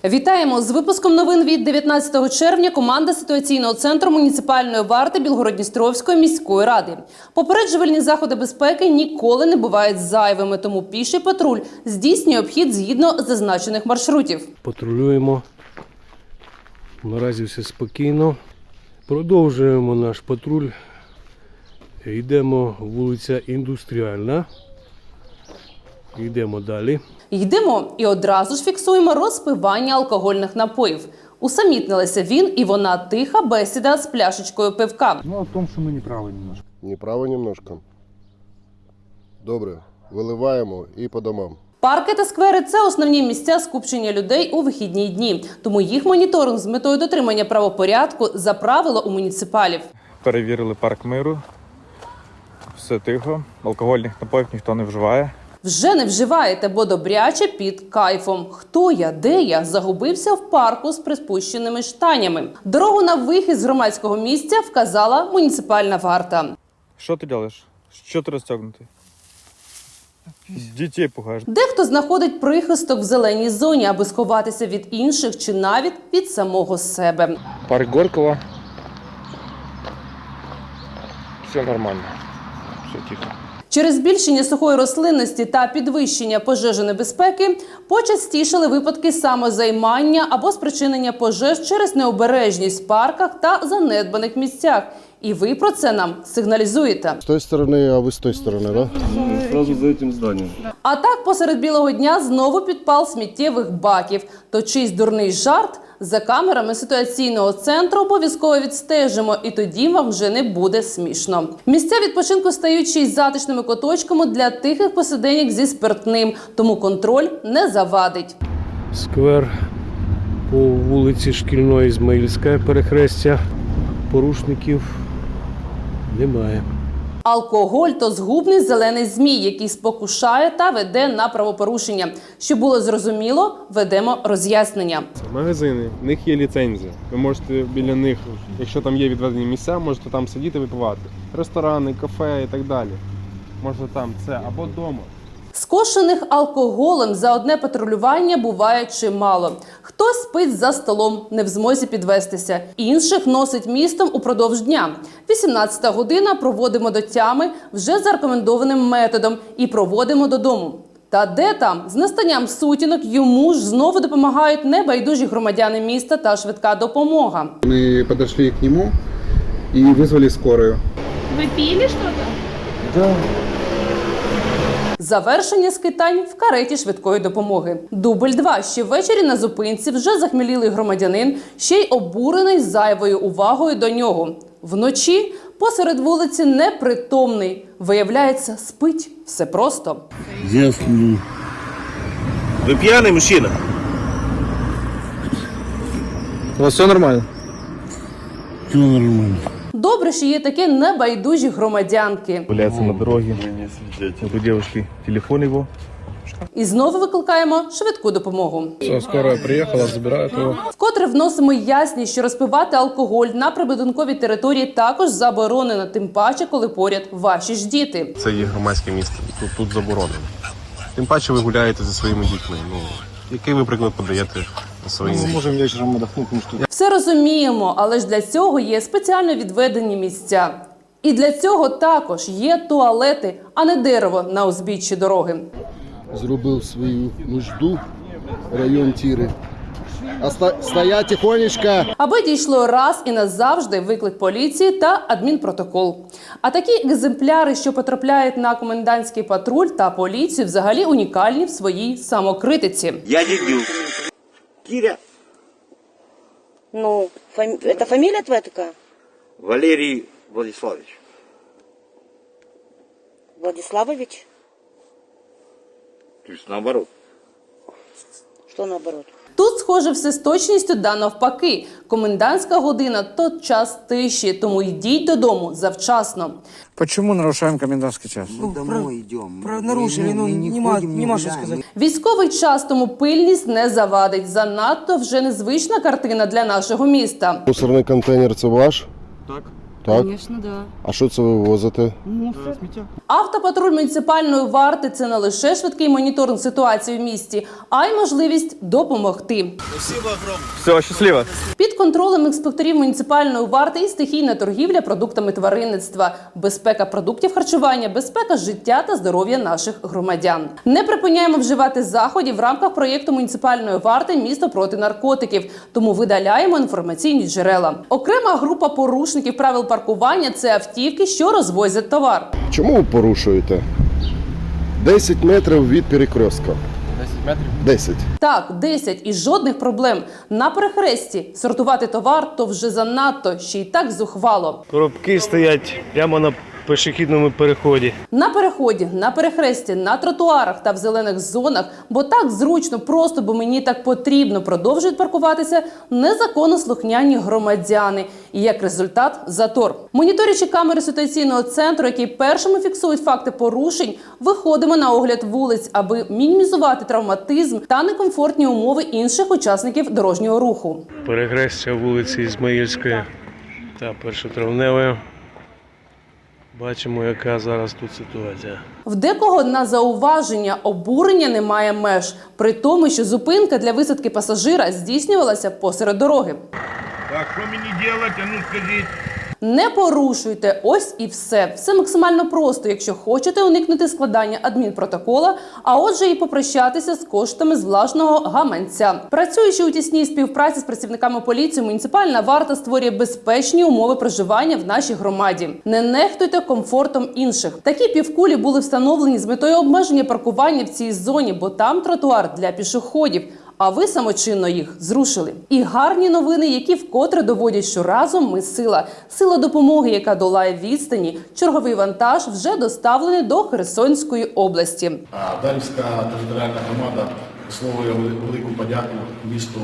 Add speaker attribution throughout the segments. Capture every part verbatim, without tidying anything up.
Speaker 1: Вітаємо! З випуском новин від дев'ятнадцятого червня команда ситуаційного центру муніципальної варти Білгород-Дністровської міської ради. Попереджувальні заходи безпеки ніколи не бувають зайвими, тому піший патруль здійснює обхід згідно зазначених маршрутів.
Speaker 2: Патрулюємо. Наразі все спокійно. Продовжуємо наш патруль. Йдемо вулиця Індустріальна. Йдемо далі.
Speaker 1: Йдемо і одразу ж фіксуємо розпивання алкогольних напоїв. Усамітнилися він і вона тиха бесіда з пляшечкою пивка.
Speaker 3: Ну, о том, що ми неправі немножко.
Speaker 4: Неправо немножко. Добре, виливаємо і по домам.
Speaker 1: Парки та сквери – це основні місця скупчення людей у вихідні дні. Тому їх моніторинг з метою дотримання правопорядку за правило у муніципалів.
Speaker 5: Перевірили парк миру. Все тихо. Алкогольних напоїв ніхто не вживає.
Speaker 1: Вже не вживаєте, бо добряче під кайфом. Хто я, де я? Загубився в парку з приспущеними штанями. Дорогу на вихід з громадського місця вказала муніципальна варта.
Speaker 5: Що ти робиш? Що ти розтягнутий? Дітей пугаєш.
Speaker 1: Дехто знаходить прихисток в зеленій зоні, аби сховатися від інших чи навіть від самого себе.
Speaker 5: Парк Горького. Все нормально. Все тихо.
Speaker 1: Через збільшення сухої рослинності та підвищення пожежонебезпеки почастішали випадки самозаймання або спричинення пожеж через необережність в парках та занедбаних місцях. І ви про це нам сигналізуєте.
Speaker 4: З тої сторони, а ви з тої сторони, так? Да?
Speaker 2: Одразу за цим зданням.
Speaker 1: А так посеред білого дня знову підпал сміттєвих баків. То чийсь дурний жарт? За камерами ситуаційного центру обов'язково відстежимо, і тоді вам вже не буде смішно. Місця відпочинку стають ще й затишними куточками для тихих посиденьок зі спиртним, тому контроль не завадить.
Speaker 2: Сквер по вулиці Шкільної, Ізмаїльська, перехрестя. Порушників немає.
Speaker 1: Алкоголь – то згубний зелений змій, який спокушає та веде на правопорушення. Щоб було зрозуміло, ведемо роз'яснення.
Speaker 6: Магазини, в них є ліцензія. Ви можете біля них, якщо там є відведені місця, можете там сидіти випивати. Ресторани, кафе і так далі. Можна там це або вдома.
Speaker 1: Скошених алкоголем за одне патрулювання буває чимало. Хтось спить за столом, не в змозі підвестися. Інших носить містом упродовж дня. вісімнадцята година проводимо до тями вже за рекомендованим методом і проводимо додому. Та де там? З настанням сутінок йому ж знову допомагають небайдужі громадяни міста та швидка допомога.
Speaker 7: Мы подошли к нему и вызвали скорую.
Speaker 8: Вы пили что-то?
Speaker 7: Да.
Speaker 1: Завершення скитань в кареті швидкої допомоги. Дубль два. Ще ввечері на зупинці вже захмілілий громадянин, ще й обурений зайвою увагою до нього. Вночі посеред вулиці непритомний. Виявляється, спить. Все просто.
Speaker 9: Я сплю. Вы пьяный мужчина?
Speaker 6: У вас все нормально?
Speaker 9: Все нормально.
Speaker 1: Добре, що є такі небайдужі громадянки.
Speaker 5: Гуляється на дорогі. У дівчинки телефон його.
Speaker 1: І знову викликаємо швидку допомогу.
Speaker 6: Все, скоро приїхала, забирають його.
Speaker 1: Вкотре вносимо ясність, що розпивати алкоголь на прибудинковій території також заборонено, тим паче, коли поряд ваші ж діти.
Speaker 10: Це є громадське місце, тут, тут заборонено. Тим паче ви гуляєте зі своїми дітьми. Ну, який ви приклад подаєте своїм дітям?
Speaker 6: Ми можемо вечором віддохнути.
Speaker 1: Все розуміємо, але ж для цього є спеціально відведені місця. І для цього також є туалети, а не дерево на узбіччі дороги.
Speaker 4: Зробив свою нужду, район Тіри. А ста- стоять тихонечко!
Speaker 1: Аби дійшло раз і назавжди виклик поліції та адмінпротокол. А такі екземпляри, що потрапляють на комендантський патруль та поліцію, взагалі унікальні в своїй самокритиці.
Speaker 9: Я дебил. Киря.
Speaker 8: Ну, фами... это фамилия твоя такая?
Speaker 9: Валерий Владиславович.
Speaker 8: Владиславович?
Speaker 9: То есть наоборот.
Speaker 8: Что наоборот?
Speaker 1: Тут, схоже, все з точністю да навпаки. Комендантська година – то час тиші, тому йдіть додому завчасно.
Speaker 3: Почему нарушаем комендантский час?
Speaker 11: Мы домой идем.
Speaker 3: Про нарушили, ну, нема, нема що сказати.
Speaker 1: Військовий час, тому пильність не завадить. Занадто вже незвична картина для нашого міста.
Speaker 4: Мусорний контейнер – це ваш?
Speaker 6: Так.
Speaker 4: Так?
Speaker 11: Звісно, да.
Speaker 4: А що це ви вивозите?
Speaker 11: Мусор.
Speaker 1: Автопатруль муніципальної варти – це не лише швидкий моніторинг ситуації в місті, а й можливість допомогти.
Speaker 5: Все, щасливо.
Speaker 1: Під контролем інспекторів муніципальної варти і стихійна торгівля продуктами тваринництва, безпека продуктів харчування, безпека життя та здоров'я наших громадян. Не припиняємо вживати заходів в рамках проєкту муніципальної варти «Місто проти наркотиків», тому видаляємо інформаційні джерела. Окрема група порушників правил паркування – це автівки, що розвозять товар.
Speaker 4: Чому ви порушуєте? десять метрів від перекрестка.
Speaker 6: десять метрів.
Speaker 4: десять.
Speaker 1: Так, десять і жодних проблем. На перехресті сортувати товар – то вже занадто, ще й так зухвало.
Speaker 2: Коробки стоять прямо на пішохідному переході.
Speaker 1: На переході, на перехресті, на тротуарах та в зелених зонах, бо так зручно, просто, бо мені так потрібно, продовжують паркуватися незаконно слухняні громадяни. І як результат – затор. Моніторячи камери ситуаційного центру, які першими фіксують факти порушень, виходимо на огляд вулиць, аби мінімізувати травматизм та некомфортні умови інших учасників дорожнього руху.
Speaker 2: Перехрестя вулиці Ізмаїльської та Першотравневої. Бачимо, яка зараз тут ситуація.
Speaker 1: В декого на зауваження обурення немає меж, при тому, що зупинка для висадки пасажира здійснювалася посеред дороги.
Speaker 9: Так, що мені робити, а ну скажіть?
Speaker 1: Не порушуйте, ось і все. Все максимально просто, якщо хочете уникнути складання адмінпротокола, а отже і попрощатися з коштами з власного гаманця. Працюючи у тісній співпраці з працівниками поліції, муніципальна варта створює безпечні умови проживання в нашій громаді. Не нехтуйте комфортом інших. Такі півкулі були встановлені з метою обмеження паркування в цій зоні, бо там тротуар для пішоходів. А ви самочинно їх зрушили. І гарні новини, які вкотре доводять, що разом ми сила. Сила допомоги, яка долає відстані. Черговий вантаж вже доставлений до Херсонської області.
Speaker 12: Дарівська територіальна громада висловлює велику подяку місту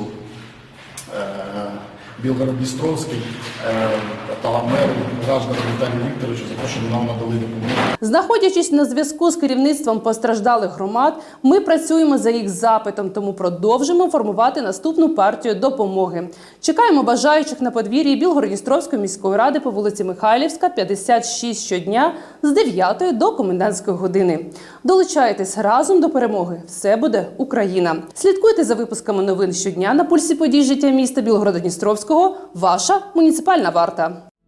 Speaker 12: Білгород-Дністровський та меру Граждану Віталію Вікторовичу за те, що нам надали допомогу.
Speaker 1: Знаходячись на зв'язку з керівництвом постраждалих громад, ми працюємо за їх запитом, тому продовжимо формувати наступну партію допомоги. Чекаємо бажаючих на подвір'ї Білгород-Дністровської міської ради по вулиці Михайлівська, п'ятдесят шість щодня з дев'ятої до комендантської години. Долучайтесь разом до перемоги. Все буде Україна. Слідкуйте за випусками новин щодня на пульсі подій життя міста Білгорода-Дністровського. Ваша муніципальна варта.